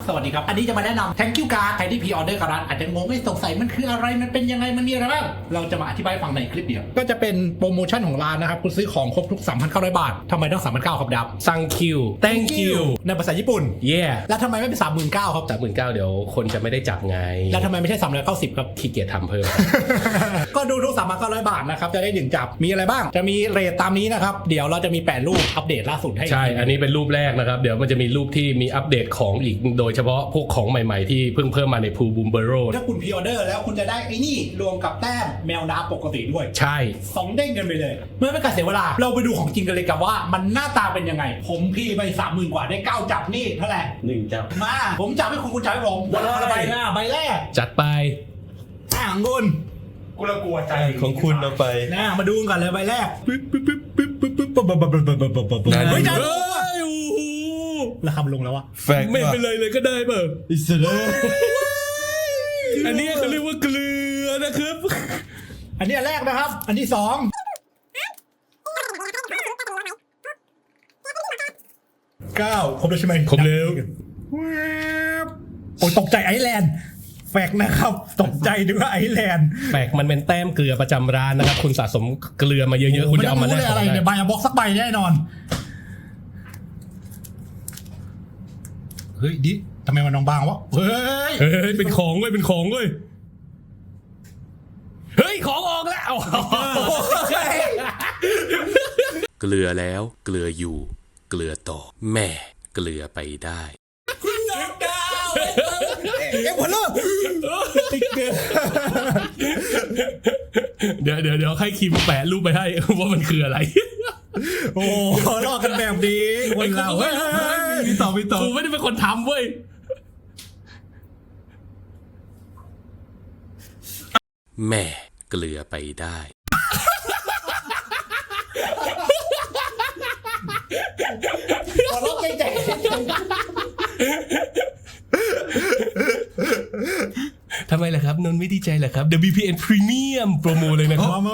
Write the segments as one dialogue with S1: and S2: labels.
S1: สวัสดีครับอันนี้จะมาแนะนำ Thank you card ใครที่พรีออเดอร์กับร้านอาจจะงงไม่สงสัยมันคืออะไรมันเป็นยังไงมันมีอะไรบ้างเราจะมาอธิบายฟังในคลิปเดียวก็จะเป็นโปรโมชั่นของร้านนะครับคุณซื้อของครบทุก 3,900 บาททำไมต้อง 3,900 ครับดับ
S2: Thank you Thank you
S1: ในภาษาญี่ปุ่น
S2: Yeah
S1: แล้วทำไมไม่เป็น 39,000 ครับ
S2: 39,000เดี๋ยวคนจะไม่ได้จับไง
S1: แล้วทำไมไม่ใช่ 390 ครับ
S2: ขี้เกียจทำเพิ่ม
S1: ก็ดูทุก 3,900 บาทนะครับจะได้1จับมีอะไรบ้างจะมีเรทตามนี้นะครับเดี๋ยวเราจะมี8รูปอัปเดตล่าสุดให้
S2: ใช่อันนี้เป็นรูปแรกนะครับเดี๋ยวมันจะมีรูปที่มีอัปเดตของอีกโดยเฉพาะพวกของใหม่ๆที่เพิ่งเพิ่มมาในพูบูมเบโร
S1: ถ้าคุณพรีออเดอร์แล้วคุณจะได้ไอ้นี่รวมกับแต้มแมวน้ำปกติด้วย
S2: ใช่
S1: 2เด้งกันไปเลยเมื่อไม่การเสียเวลาเราไปดูของจริงกันเลยกับว่ามันหน้าตาเป็นยังไงผมพี่ไป 30,000 กว่าได้9จับนี่เท่าไหร่
S3: 1จับ
S1: มาผมจับให้คุณจับให้ผมใบหน้าใบแรก
S2: จัดไป
S1: ของคุณ
S3: กูละกลัวใจของคุณเอาไป
S1: นะมาดูกันเลยใบแรกปึ๊บปึ๊บปึ๊บปึ๊บปึ๊บปึ๊บปึ๊บเฮ้ยจับราคาลงแล้ววะ
S2: ไม่เป็นไรเลยก็ได้เปล่า
S3: อิสระ
S2: อันนี้เขาเรียกว่าเกลือนะครับ
S1: อันนี้อันแรกนะครับอันที่2ครบแล้วใช่ไหม
S2: ครบแล้ว
S1: โอ้ตกใจไอแลนด์แฟกนะครับตกใจด้วยไอแลนด์
S2: แฟกมันเป็นแต้มเกลือประจำร้านนะครับคุณสะสมเกลือมาเยอะๆคุณจะเอามาแลก
S1: อะไรเนี่ยใบบ็อกสักใบแน่นอนเฮ้ยดิทำไมมันน้องบางวะเฮ้ย
S2: เป็นของเว้ยเป็นของเว้ยเฮ้ยของออกแล้วเกลือแล้วเกลืออยู่เกลือต่อแม่เกลือไปได้
S1: คุณน้องดาวหัวเลิกติ๊กเกอร์
S2: เดี๋ยวให้คิมแปะรูปไปให้ว่ามันคืออะไร
S1: โอ้ลอกกันแบบนี้คนเราเฮ้ย
S2: มีต่อกูไม่ได้เป็นคนทำเว้ยแม่เกลือไปได้
S1: ขอร้องใจ
S2: ทำไมล่ะครับนนท์ไม่ดีใจเหรอครับ WPN Premium โปรโมเลยนะครับ
S1: มา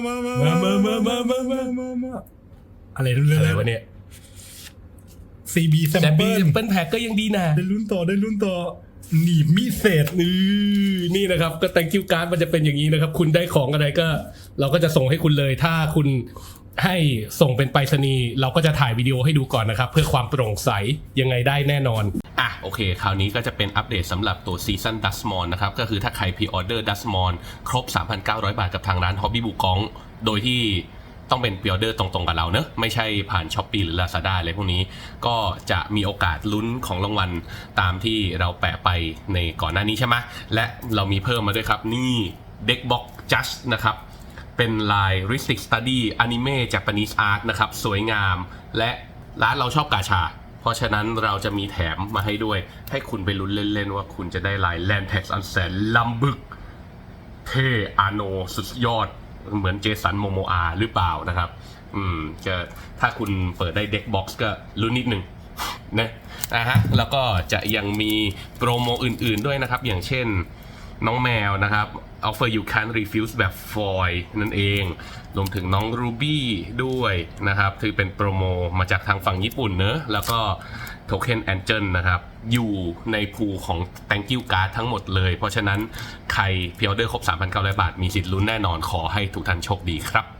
S1: อะไร
S2: วะเนี่ย
S1: CB
S2: Sample Pack ก็ยังดีนะ
S1: ได้ลุ้นต่อหนีบมีเศษ
S2: นี่นะครับก็ Thank you card มันจะเป็นอย่างนี้นะครับคุณได้ของอะไรก็เราก็จะส่งให้คุณเลยถ้าคุณให้ส่งเป็นไปรษณีย์เราก็จะถ่ายวิดีโอให้ดูก่อนนะครับเพื่อความโปร่งใสยังไงได้แน่นอนโอเคคราวนี้ก็จะเป็นอัปเดตสำหรับตัวซีซั่นดัสมอนนะครับก็คือถ้าใครพรีออเดอร์ดัสมอนครบ 3,900 บาทกับทางร้าน Hobby บุกองโดยที่ต้องเป็นพรีออเดอร์ตรงๆกับเราเนอะไม่ใช่ผ่าน Shopee หรือ Lazada อะไรพวกนี้ก็จะมีโอกาสลุ้นของรางวัลตามที่เราแปะไปในก่อนหน้านี้ใช่ไหมและเรามีเพิ่มมาด้วยครับนี่ Deckbox Just นะครับเป็นลาย Ristic Study Anime Japanese Art นะครับสวยงามและร้านเราชอบกาชาเพราะฉะนั้นเราจะมีแถมมาให้ด้วยให้คุณไปลุ้นเล่นๆว่าคุณจะได้ลาย Landtex อันแสนล้ำบึกเท่อาโนสุดยอดเหมือนเจสันโมโมอาหรือเปล่านะครับจะถ้าคุณเปิดได้เด็กบ็อกซ์ก็ลุ้นนิดนึงนะฮะแล้วก็จะยังมีโปรโมอื่นๆด้วยนะครับอย่างเช่นน้องแมวนะครับ Offer You Can't Refuse แบบฟอยล์นั่นเองรวมถึงน้องรูบี้ด้วยนะครับที่เป็นโปรโมมาจากทางฝั่งญี่ปุ่นเนอะแล้วก็โทเค็นแองเจิลนะครับอยู่ในพูลของ Thank you card ทั้งหมดเลยเพราะฉะนั้นใครพรีออเดอร์ครบ 3,900 บาทมีสิทธิ์ลุ้นแน่นอนขอให้ทุกท่านโชคดีครับ